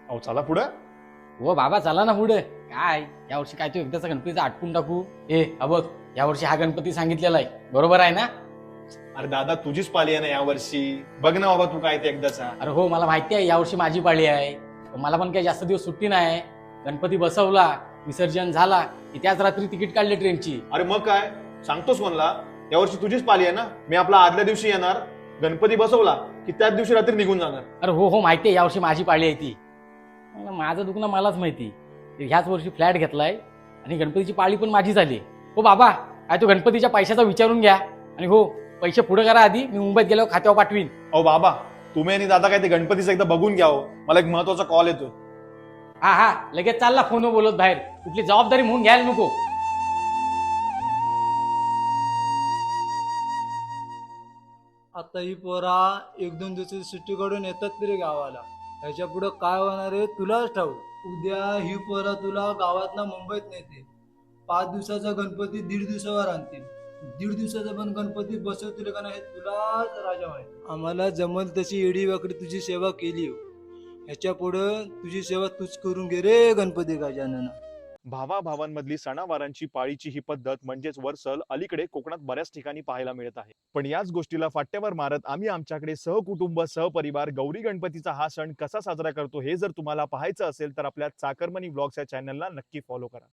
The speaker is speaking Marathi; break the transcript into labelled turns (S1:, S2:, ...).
S1: अहो चला पुढं.
S2: हो बाबा चला ना पुढे. काय यावर्षी काय तू एकदाचा गणपतीचा आटपून टाकू. हा बघ, यावर्षी हा गणपती सांगितलेला आहे, बरोबर आहे ना?
S1: अरे दादा तुझीच पाली आहे ना यावर्षी. बघ ना बाबा तू काय ते एकदाचा.
S2: अरे हो, मला माहिती आहे यावर्षी माझी पाळी आहे. पण मला पण काही जास्त दिवस सुट्टी नाही. गणपती बसवला, विसर्जन झाला की त्याच रात्री तिकीट काढले ट्रेनची.
S1: अरे मग काय सांगतोस कोणला? यावर्षी तुझीच पाली आहे ना. मी आपला आदल्या दिवशी येणार, गणपती बसवला की त्याच दिवशी रात्री निघून जाणार.
S2: अरे हो हो, माहिती आहे यावर्षी माझी पाळी आहे ती. माझं दुखणं मलाच माहिती. ह्याच वर्षी फ्लॅट घेतलाय आणि गणपतीची पाळी पण माझी झाली. हो बाबा, काय तो गणपतीच्या पैशाचा विचारून घ्या. आणि हो, पैसे पुढे करा आधी, मी मुंबईत गेल्यावर खात्यावर पाठवीन.
S1: अहो बाबा, तुम्ही आणि दादा काय ते गणपतीचं एकदा बघून घ्या हो. मला एक महत्वाचा कॉल येतोय.
S2: हा हा, लगेच चालला फोनवर बोलत बाहेर. कुठली जबाबदारी म्हणून घ्यायला नको.
S3: आता ही पोरा एक दोन दिवसाची सुट्टी काढून येतात तरी गावाला. ह्याच्या पुढे काय होणार आहे तुलाच ठाऊक. उद्या ही पोरा तुला गावातना मुंबईत नेते. 5 दिवसाचा गणपती 1.5 दिवसावर आणतील. 1.5 दिवसाचा पण गणपती बसवतील का नाही हे तुलाच राजा माहिती. आम्हाला जमल तशी एडी वाकडी तुझी सेवा केली हो. ह्याच्या पुढे तुझी सेवा तूच करून घे रे गणपती गजानना.
S1: भावाभावांमधली सणावारांची पाळीची ही पद्धत म्हणजेच वर्सल अलीकडे कोकणात बऱ्याच ठिकाणी पाहायला मिळत आहे. पण याच गोष्टीला फाट्यावर मारत आम्ही आमच्याकडे सहकुटुंब सहपरिवार गौरी गणपतीचा हा सण कसा साजरा करतो हे जर तुम्हाला पाहायचं असेल तर आपल्या चाकरमनी व्लॉग्स या चॅनलला नक्की फॉलो करा.